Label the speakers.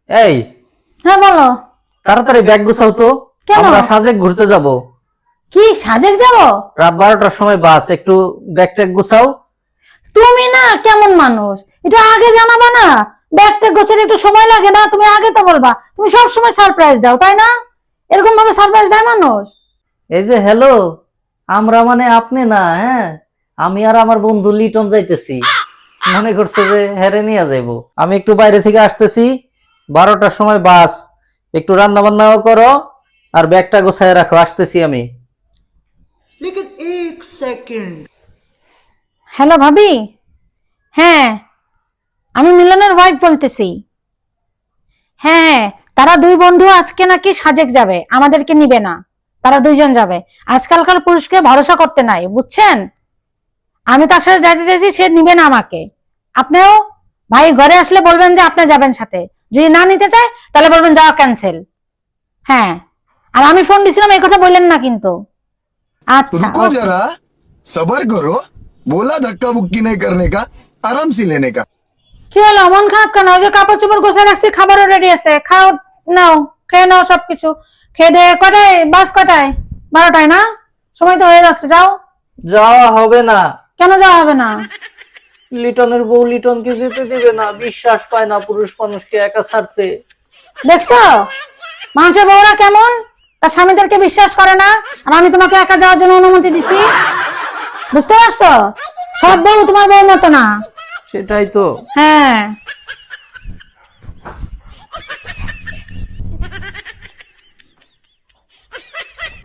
Speaker 1: এই,
Speaker 2: হ্যাঁ বলো।
Speaker 1: তাড়াতাড়ি ব্যাগ গুছাও তো।
Speaker 2: কেন?
Speaker 1: আমরা সাজেক ঘুরতে যাব।
Speaker 2: কি সাজেক যাব?
Speaker 1: রাত 12টার সময় বাস। একটু ব্যাগ ট্যাগ গুছাও।
Speaker 2: তুমি না কেমন মানুষ, একটু আগে জানাবা না? ব্যাগটা গোছাতে একটু সময় লাগে না? তুমি আগে তো বলবা। তুমি সব সময় সারপ্রাইজ দাও, তাই না? এরকম ভাবে সারপ্রাইজ দেয় মানুষ?
Speaker 1: এই যে হ্যালো, আমরা মানে আপনি না, হ্যাঁ, আমি আর আমার বন্ধু লিটন যাইতেছি। মনে করছে যে হেরে নিয়ে যাইবো। আমি একটু বাইরে থেকে আসতেছি, 12টার সময় বাস। একটু রান্না বান্নাও করো আর ব্যাগটা গোছায় রাখো, আসতেছি আমি।
Speaker 3: लेकिन एक सेकंड।
Speaker 2: হ্যালো ভাবি। হ্যাঁ, আমি মিলনের ওয়াইফ বলতেছি। হ্যাঁ, তারা দুই বন্ধু আজকে নাকি সাজেক যাবে, আমাদেরকে নিবে না। তারা দুইজন যাবে। আজকালকার পুরুষকে ভরসা করতে নাই, বুঝছেন? আমি তার সাথে যাইতে চাইছি, সে নিবে না আমাকে। আপনিও ভাই ঘরে আসলে বলবেন যে আপনি যাবেন সাথে। যদি না নিতে চায় তাহলে বলবেন যাওয়া ক্যান্সেল। হ্যাঁ, আর আমি ফোন দিছিলাম এই কথা বললেন না কিন্তু। আচ্ছা,
Speaker 4: रुको
Speaker 2: ওকে।
Speaker 4: जरा, सबर करो। बोला धक्का बुक्की नहीं करने का, आराम से लेने का।
Speaker 2: কি হলো, মন খারাপ কেন? ওই যে কাপড় চোপড় গোছায় রাখছি, খাবারও রেডি আছে, খাও। নাও, খেয়ে নাও সবকিছু। খেয়ে দিয়ে কটায় বাস? কটায়? 12টায় না? সময় তো হয়ে যাচ্ছে, যাও।
Speaker 1: যাওয়া হবে না।
Speaker 2: কেন যাওয়া হবে না?
Speaker 1: লিটনের বউ লিটনকে যেতে দিবে না, বিশ্বাস পায় না পুরুষ মানুষকে একা ছাড়তে।
Speaker 2: দেখছো মানুষের বউরা কেমন, তার স্বামীদেরকে বিশ্বাস করে না। আর আমি তোমাকে একা যাওয়ার জন্য অনুমতি দিছি, বুঝতে পারছো? সব বউ তোমার বউর মতো না।
Speaker 1: সেটাই তো।
Speaker 2: হ্যাঁ।